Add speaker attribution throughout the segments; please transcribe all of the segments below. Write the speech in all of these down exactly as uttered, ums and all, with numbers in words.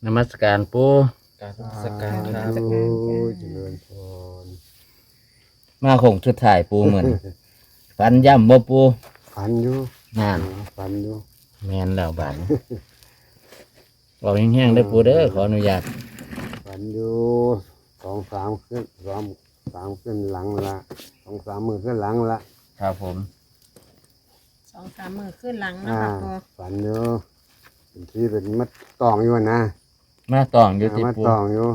Speaker 1: นมัสการปู
Speaker 2: การนมัสการครับ
Speaker 3: โอ้เจริญพร
Speaker 1: มาคงชุดถ่ายปูเหมือน ฝันย่ำบ่ปู
Speaker 3: ฝันอยู่
Speaker 1: งาน
Speaker 3: ฝันอยู่
Speaker 1: แมนแล้วบาดนี้บอกแห้งๆได้อปูเด้อขออนุญาต
Speaker 3: ฝันอยู่สองสามขึ้นสองสามขึ้นหลังละสองสามมือขึ้นหลังละ
Speaker 1: ครับผม
Speaker 4: สองสามมือขึ้นหลังนะ
Speaker 3: อ่า
Speaker 4: คะปู
Speaker 3: ฝันอยู่เป็นที่เป็นมัดตองอยู่นะ
Speaker 1: มาตองอยู่ที่
Speaker 3: มัด
Speaker 1: ปู
Speaker 3: ตองอยู่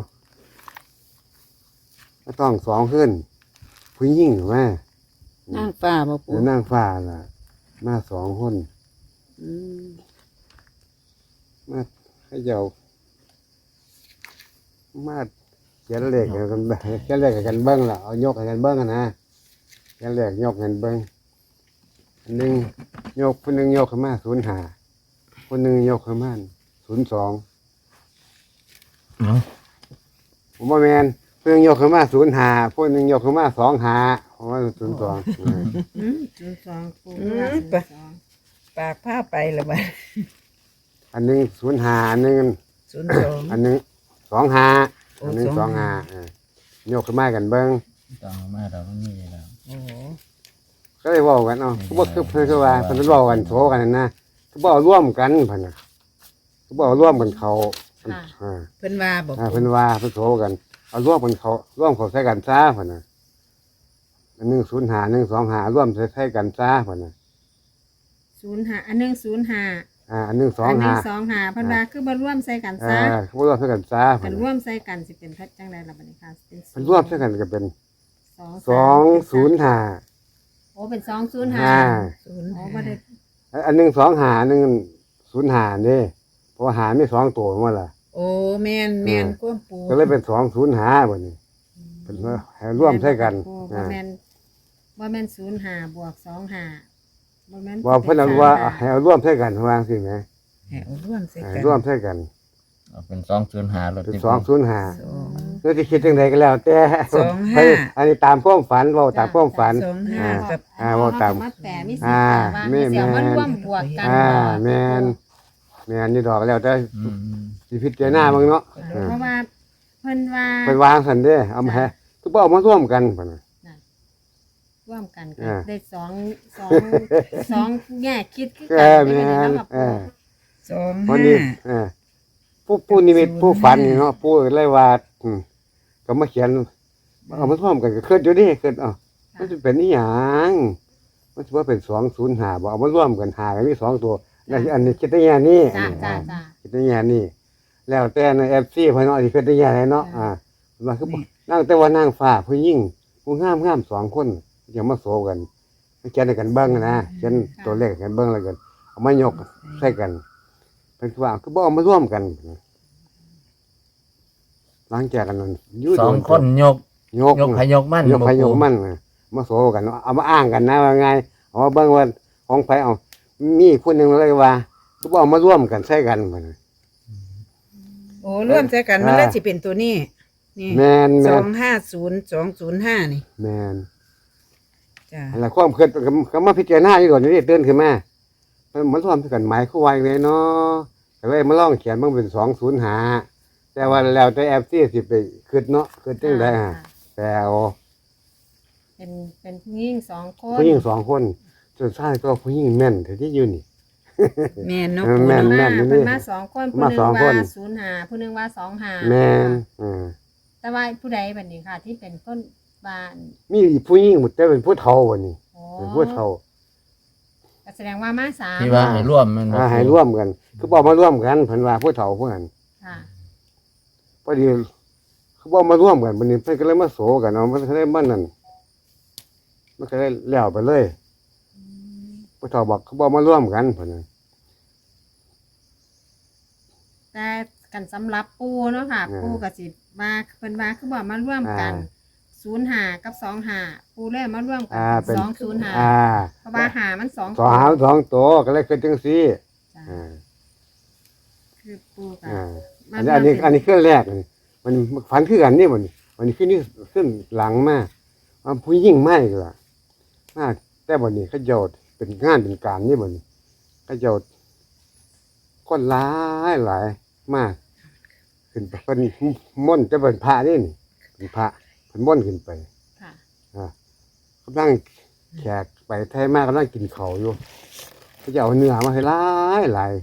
Speaker 3: มัดตองสองขึ้นผู้หญิงแม่
Speaker 4: นั่งฟ้าบ่ปู
Speaker 3: แล้วนั่งฟ้าล่ะมาสองคน
Speaker 4: อืม
Speaker 3: มาให้เจ้ามาเขียนเลขให้กันเบิ่งเขียนเลขให้กันเบิ้งล่ะเอายกให้กันเบิ้งกันนะเขียนเลขยกให้กันเบิ้งอันหนึ่งยกคนหนึ่งยกขึ้นมาศูนย์ห้าคนหนึ่งยกขึ้นมาศูนย์สอง
Speaker 1: เนาะ
Speaker 3: ผมว่าแมนเพิ่งยกขึ้นมาศูนย์ห้าคนหนึ่งยกขึ้นมาสองห้าผมว่าศูนย์สอง
Speaker 4: อืมศูนย์สองปู
Speaker 5: อืม
Speaker 4: ว่าศูนย์สอง
Speaker 5: ปากผ้าไปแล้วบ้า
Speaker 3: อันหนึ่งศูนย์ห้าอันหนึ่ง
Speaker 5: ศูนย์สอง
Speaker 3: อันหนึ่งสองห้า
Speaker 5: โอ้
Speaker 3: อันหนึ่งส
Speaker 5: ส
Speaker 3: อ
Speaker 5: อง ง
Speaker 3: ห้า
Speaker 5: ห้า
Speaker 3: ยกขึ้นมากันเบิ้ง
Speaker 1: ตองมาเราไม่มีแล้ว
Speaker 5: โอ้โห
Speaker 3: ก็เลยบอกกันเนาะเขาบอกคือเพื่อนคือว่าเพื่อนบอกกันโถกันนะเขาบอกร่วมกันเพื่อนน่ะเขาบอกร่วมกันเขาอ่า
Speaker 5: เพิ่นว่าบอก
Speaker 3: อ่าเพื่อนว่าเพื่อนโถกันเอาร่วมกันเขาร่วมเขาใช้กันซ่าเพื่อนน่ะอันหนึ่งศูนย์หาหนึ่งสองหาร่วมใช้ใช้กันซ่าเพื่อนน่ะ
Speaker 4: ศูนย์ห้าอันหนึ่งศูนย์ห้า
Speaker 3: อ่าอันหนึ่งสอง
Speaker 4: อันหนึ่
Speaker 3: หาง
Speaker 4: สองห้าเพันว่าคือบ่ร่วมใส่กัน
Speaker 3: อ่า
Speaker 4: ซะ
Speaker 3: เขาร่วมใช้กันซ่าเพื่
Speaker 4: กั
Speaker 3: อน
Speaker 4: นร่ว
Speaker 3: น่ะ
Speaker 4: มใส่กันสิเป็นพัดจังไดล่ะบัดนี้ค่ะเป็น
Speaker 3: เพื่อนร่วมใช้กันก็เป็น
Speaker 4: สอง
Speaker 3: สองศูนย์หา
Speaker 4: โอ้เป็นสองศูนย์ห้า
Speaker 3: อ่า
Speaker 5: ศูนย์
Speaker 4: โอ้
Speaker 5: ห้า
Speaker 4: บ่ได้
Speaker 3: อันหนึ่งสองหาหนึ่งศูนย์หาเนี่ยเพราะว่าหาไม่สองตัวมาละ
Speaker 5: โอ้แม่นแม่นกวมปู
Speaker 3: ก็เลยเป็นสองศูนย์หาแบบนี้เป็นว่าให้ร่วมใช้กัน
Speaker 4: ปูบ่
Speaker 3: อ่า
Speaker 4: แม่นบ่แม่นศูนย์ห้าบวกสองห้าบ่แม่น
Speaker 3: ว่าเพื่อนเอาว่าให้เอาร่วมใช้กันวางสิไหม
Speaker 5: ให้เอาร่วมใส่
Speaker 3: ให้
Speaker 5: กัน
Speaker 3: ร่วมใช้กัน
Speaker 1: เอาเป็นสองศูนย์หารถ
Speaker 3: เป็น
Speaker 1: ที่
Speaker 3: สองศูนย์หา
Speaker 5: สอง
Speaker 3: เพื่อที่คิดจังใดก็แล้ว แต่
Speaker 5: สองห้า
Speaker 3: อันนี้ตามความฝันเราตามความฝัน
Speaker 5: สองห้ากับ
Speaker 3: อ่าว่าตาม
Speaker 4: มาแปะมีสิ
Speaker 3: อ่า
Speaker 4: ว่า
Speaker 3: แม่
Speaker 4: มีเสียง
Speaker 3: แม่
Speaker 4: มาร่วมบวกกัน
Speaker 3: อ่า
Speaker 4: บ่
Speaker 3: แมนแมนนี่ดอกแล้วแต่
Speaker 1: อืม
Speaker 3: สิพิจารณาบ้างเนาะ
Speaker 4: เพราะว่าเพิ่นว่า
Speaker 3: ไปวางสันเด้เอามาให้ทุกบ่เอามาร่วมกันพุ่นน่ะ
Speaker 4: ร่วมกันก็
Speaker 3: อ่า
Speaker 4: ได้สองสองสองแง่คิดคือ
Speaker 3: เอ
Speaker 4: กัน
Speaker 3: อ
Speaker 4: ไม่
Speaker 3: แม่
Speaker 4: ได้
Speaker 3: น
Speaker 4: เนาะ
Speaker 3: เออ
Speaker 5: สอง
Speaker 3: วัน
Speaker 5: ห้า
Speaker 3: นี้เออผู้ผู้นิมิตผู้ฝันนี่เนาะผู้เลยว่าอืมก็มาเขียนเอามาร่วมกันก็ขึ้นอยู่ดิขึ้นเอ้ามันจะเป็นอีหยังมันจะว่าเป็นสองศูนย์หาบ่เอามาร่วมกันหากันมีสองตัวอันนี้อันนี้คิดได้แง่นี้
Speaker 4: จ้าจ้าจ้า
Speaker 3: คิดได้แง่นี้แล้วแต่ในเอฟซีเพิ่นเนาะที่คิดได้แง่ไหนเนาะอ่าว่าคือนั่งแต่ว่านั่งฟ้าผู้หญิงผู้งามงามสองคนอย่ามาโซกันมาเขียนให้กันเบิ่งนะเขียนตัวเลขให้กันเบิ่งแล้วกันเอามายกใส่กันเพิ่นคือว่าคือบ่เอามาร่วมกันหลังจากกันนั้นยู่
Speaker 1: สองคนยก
Speaker 3: ยก
Speaker 1: ยกพยกมั่น
Speaker 3: ยกพยก
Speaker 1: บ่ปู
Speaker 3: มันน่ะมาโซกันเอามาอ้างกันนะว่าไงเอามาเบิ่งว่าของไผเอามีคนหนึงเลยว่าคือบ่เอามาร่วมกันใส่กันพุ่นน่ะ
Speaker 5: โอ้ร่วมใส่กันมัน
Speaker 3: อ่า
Speaker 5: เลยสิเป็นตัวนี้นี่
Speaker 3: แม่น
Speaker 5: ส
Speaker 3: แม่
Speaker 5: อน งห้าศูนย์สองศูนย์ห้านี่
Speaker 3: แม่น
Speaker 5: จ้า
Speaker 3: อะไรความคิดก็ก็มาพิจารณาอยู่ก่อนนี่ตื่นขึ้นมามันมันร่วมกันหมายคู่ไว้เลยเนาะแต่ว่ามาลองเขียนมันเป็นสองศูนย์หาแต่ว่าแล้วแต่แอปที่สิไปคิดเนาะคิดจังได๋ฮะแต่เอา
Speaker 4: เป็นเป็นผู้หญิงสองคน
Speaker 3: ผู้หญิงสองคนจนชายก็ผู้หญิงแม่นแต่ที่อยู่นี่
Speaker 5: แม่นเนาะ
Speaker 3: เออ
Speaker 5: ปู
Speaker 3: แม่น
Speaker 5: เนาะ
Speaker 4: มา
Speaker 3: นี่
Speaker 4: เพิ่นมาสองคนผู้
Speaker 3: มา
Speaker 4: หนึง
Speaker 3: สองค
Speaker 4: ว่าน ศูนย์ห้าผู้หนึงว่าสองห้า
Speaker 3: แม่นอ่า
Speaker 4: แต่ว่าผู้ใดบัดนี้ค่ะ ที่เป็นคนบ้าน
Speaker 3: มีผู้หญิงหมดแต่เป็นผู้เฒ่าวันนี้
Speaker 4: โอ้
Speaker 3: เป็นผู้เฒ่า
Speaker 4: ก็แสดงว่ามาสาม
Speaker 1: ที่ว่าให้ร่วมมันบ่
Speaker 3: อ่า
Speaker 1: ปู
Speaker 3: ให้ร่วมกันคือบอกมาร่วมกันเพิ่นว่าผู้เฒ่าผู้นั้น
Speaker 4: ค่ะ
Speaker 3: พอดีเขาบอกมาร่วมกันวันนี้เพิ่นก็เลยมาโศกันเอามันก็เลยมันนั่นมันก็เลยแล้วไปเลยผู้เฒ่าบอกเขาบอกมาร่วมกันเพิ่นน่ะ
Speaker 4: แต่กันสำหรับปูเนาะค่ะ ปูกับสิมาเพิ่นว่าคือบอกมาร่วมกันศูนย์ห้ากับสองห้าปูเลยมาร่วมกัน
Speaker 3: อ่าเป็น
Speaker 4: สองศูนย์ห้า
Speaker 3: อ่า
Speaker 4: เพราะว่าหามันสอง
Speaker 3: สองหางสองตัวก็เลยคือจังซี่
Speaker 4: จ้ะ
Speaker 3: อ่า
Speaker 4: คือปูกับ
Speaker 3: อ่า
Speaker 4: มา
Speaker 3: อันนี้อันนี้อันนี้เครื่องแรกนี่มันฝันคือกันนี่มันวันนี้ขึ้นนี่ขึ้นหลังมาว่าผู้หญิงไม่ก็ล่ะมาแต่วันนี้เขาโยดเป็นงานเป็นการนี่วันนี้เขาโยดคนหลายหลายมากขึ้นไปเพิ่นม่อนต์จะเป็นพระนี่นี่เป็นพระเพิ่นม่อนต์ขึ้นไป
Speaker 4: ค่ะ
Speaker 3: อ่ากำลังแขกไปไทยมากกำลังกินเขาวอยู่เขาจะเอาเนื้อมาให้หลายหลาย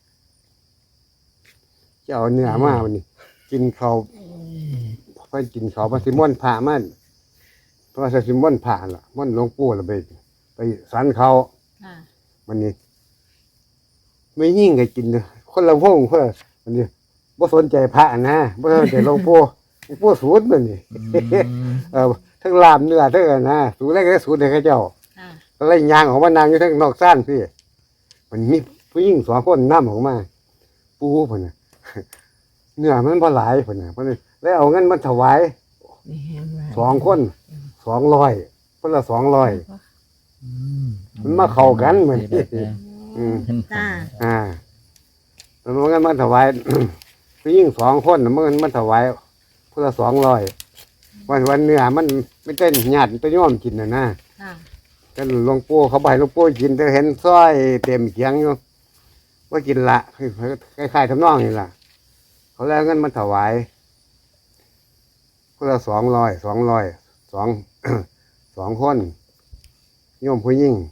Speaker 3: จะเอาเนื้อมาวันนี้ กินเขาวเพิ่นกินเขาวมาสิม่อนต์พระมันเพราะว่าสิม่อนต์พระล่ะม่อนต์หลวงปู่ล่ะไปไปสันเขา
Speaker 4: ค่ะ
Speaker 3: มันนี่ไม่ยิ่งก็กินเลยคนละวงเพื่อมันนี่บ่สนใจพระนะบ่สนใจหลวงปู่หลวงปู่สูตรมันนี่
Speaker 1: อืม
Speaker 3: เออทั้งลามเนื้อทั้งอันนะสูตรแรกก็สูตรให้เขาเจ้า
Speaker 4: ค่ะ
Speaker 3: ก็เลยยางออกมานางอยู่ทั้งนอกซ่านพี่มันมีผู้หญิงสองคนนำออกมา ปูเพิ่นน่ะ เนื้อมันบ่หลายเพิ่นน่ะเพิ่นเลยเอาเงินมาถวาย
Speaker 5: นี่แห้งหลาย
Speaker 3: สองคนสองร้อยเพิ่นละสองร้อย
Speaker 1: อืม
Speaker 3: มันมาเข้ากันเหมือน อืม
Speaker 4: จ้า
Speaker 3: อ่าแล้วมันก็มาถวาย ผู้หญิงสองคนน่ะมันมันถวายเพื่อสองร้อยวันวันเนื้อมันไม่เต้นหยาดไปย่อมกินน่ะนะ
Speaker 4: ค่ะ
Speaker 3: ก็หลวงปู่เขาใบหลวงปู่กินแต่เห็นสร้อยเต็มเขียงอยู่ว่ากินละคล้ายๆทำนองนี่ล่ะ เขาแล้วเงินมันถวายเพื่อสองร้อยสองร้อยสอง สองคนโยมผู้หญิง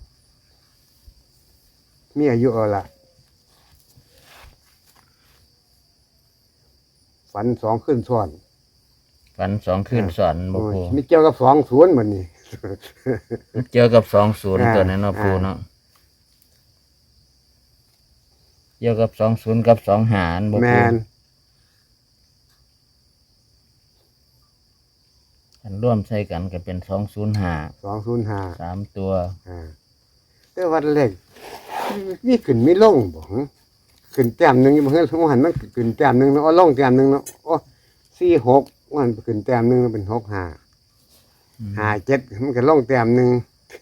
Speaker 3: มีอายุเอาละฝันสองขึ้นซ้อน
Speaker 1: ฝันสองคืนสอนบ่ปู
Speaker 3: มีเกี่ยวกับสองศูนย์เหมือนนี่
Speaker 1: เจอกับสองศูนย์
Speaker 3: อ่า
Speaker 1: ตัวนั้นเนาะปู
Speaker 3: อ่า
Speaker 1: เนาะเกี่ยวกับสองศูนย์กับสองหารบ่
Speaker 3: แม
Speaker 1: ปู
Speaker 3: น
Speaker 1: อันร่วมใส่กันก็เป็นสองศูนย์ห้า
Speaker 3: สองศูนย์ห้า
Speaker 1: สามตัว
Speaker 3: อ่าแต่วันเล็กมีขึ้นมีลงบ่หึขึ้นแต้มหนึ่งอยู่บ่เฮ้ยสมหันมันขึ้นแต้มหนึ่งเนาะเอาลงแต้มหนึ่งเนาะโอ้สี่หกมันขึ้นแต้มหนึ่งเป็นหกห้าห้าเจ็ดมันก็ลงแต้มหนึ่ง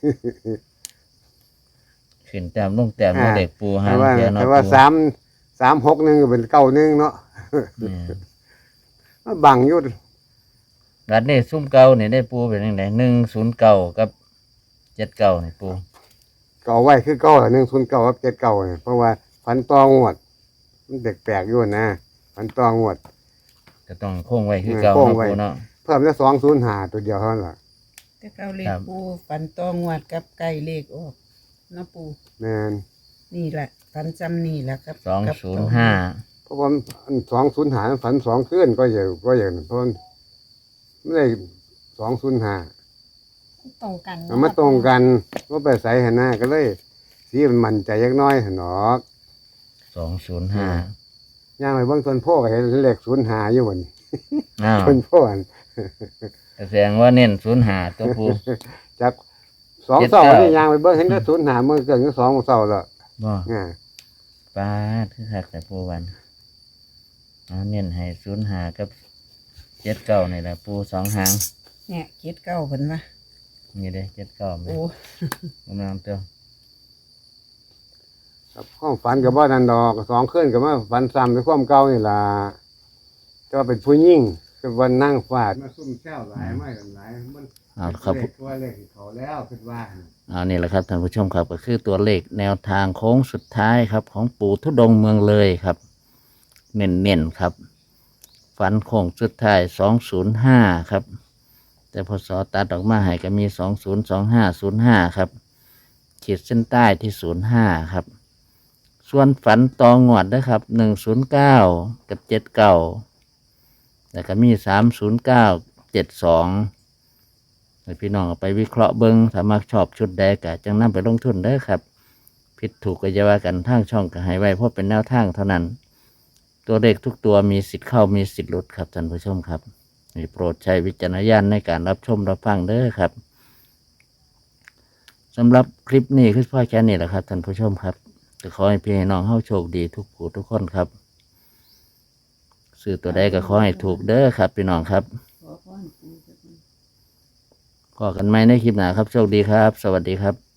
Speaker 1: ขึ้นแต้มลงแต้มเนาะ
Speaker 3: อ่า
Speaker 1: เด็กปูหา
Speaker 3: แต่
Speaker 1: ง
Speaker 3: ว่า
Speaker 1: เทียเนาะ
Speaker 3: แต่ว่า
Speaker 1: ปู
Speaker 3: สามสามหกหนึ่งก็เป็นเก้าหนึ่งเนาะ
Speaker 1: แม่น
Speaker 3: มันบังอยู่
Speaker 1: รัดนี่ซุ่มเก่านี่ได้ปูเป็นยังไงหนึ่งศูนย์เก่ากับเจ็ดเก่านี่ปู
Speaker 3: เก่าไว้คือเก้าหนึ่งศูนย์เก้ากับเจ็ดเก้าเนี่ยเพราะว่าฟันตองวด มันแปลกๆอยู่นะฟันตองวด
Speaker 1: ก็ต้องโค้งไว้คือเก่า
Speaker 3: โค้ง
Speaker 1: เนาะ
Speaker 3: ไว้
Speaker 1: ปูเนาะ
Speaker 3: เพิ่มแค่สองศูนย์ห้าตัวเดียวเท่านั้นล่ะ
Speaker 5: แต่เก้าเลข
Speaker 1: ครับ
Speaker 5: ปูฝันตองวดกับไก่เลขออกเนาะปู
Speaker 3: แม่น
Speaker 5: นี่แหละฝันจำนี่แหละครับ
Speaker 1: สอง
Speaker 5: กับ
Speaker 1: ศูนย์ห้า
Speaker 3: เพราะว่าสองศูนย์หาฝันสองขึ้นก็อย่างก็อย่างนั้นเพราะมันไม่ได้สองศูนย์หา
Speaker 4: ตรงกัน
Speaker 3: มันมาตรงกันว่าไปใส่หันหน้าก็เลย สีมันมั่นใจยักน้อยหันหนอก
Speaker 1: สองศูนย์ห้า
Speaker 3: ย่างไปเบางต้นโพก็เห็นเลขศูนย์หาอยู่วันนี้
Speaker 1: อ้าว
Speaker 3: ต้นโพอัน
Speaker 1: แสดงว่าเน้นศูนย์ห้าตัวปู
Speaker 3: จากสอง
Speaker 1: เจ็ด
Speaker 3: เสา
Speaker 1: เก้า
Speaker 3: นี่ย่างไปเบิ่งเห็นได้ศูนย์หาเมื่อเกิดก็สองเสาแล้ว
Speaker 1: บ่
Speaker 3: อ่า
Speaker 1: ปาดคือคักแต่ปูวันเอาเน้นให้ศูนย์ห้ากับเจ็ดเก้านี่แหละปูสองหาง
Speaker 5: เนี่ยเจ็ดเก้าเพิ่นว่า
Speaker 1: นี่เด้เจ็ดเก้าไหม
Speaker 5: โอ้
Speaker 1: กำลังเตัว
Speaker 3: ครับความฝันกับว่านันดอกสองขึ้นกับว่าฝันซ้ำในความเก่านี่ล่ะก็เป็นผู้ยิ่งเป็นวันนั่งฟาดมาซุ่มแช่วหลายไม่หลายมัน
Speaker 1: เอาครับ
Speaker 3: เลขตัวเลขเขาแล้วคิดว่า
Speaker 1: เอานี่แหละครับท่านผู้ชมครับก็คือตัวเลขแนวทางโค้งสุดท้ายครับ ของปู่ทุดงค์เมืองเลยครับ เน้นๆครับ ฝันโค้งสุดท้ายสองศูนย์ห้าครับ แต่พอสอตัดออกมาให้ก็มีสองศูนย์สองห้าศูนย์ห้าครับขีดเส้นใต้ที่ศูนย์ห้าครับ ส่วนฝันตองวดนะครับหนึ่งศูนย์เก้ากับเจ็ดเก้าแล้วก็มีสามศูนย์เก้าเจ็ดสองให้พี่น้องเอาไปวิเคราะห์เบิ้งสามารถชอบชุดใดก็จังนำไปลงทุนได้ครับ ผิดถูกก็จะว่ากันทางช่องก็ให้ไว้เพราะเป็นแนวทางเท่านั้น ตัวเลขทุกตัวมีสิทธิ์เข้ามีสิทธิ์หลุดครับท่านผู้ชมครับนี่โปรดใช้วิจารณญาณในการรับชมรับฟังเด้อครับสำหรับคลิปนี้คือพ่อแค่นี้แหละครับท่านผู้ชมครับจะขอให้พี่ให้น้องเข้าโชคดีทุกผู้ทุกคนครับซื้อตัวใดก็ขอให้ถูกเด้อครับพี่น้องครับก็กันไหมในคลิปหน้าครับโชคดีครับ สวัสดีครับ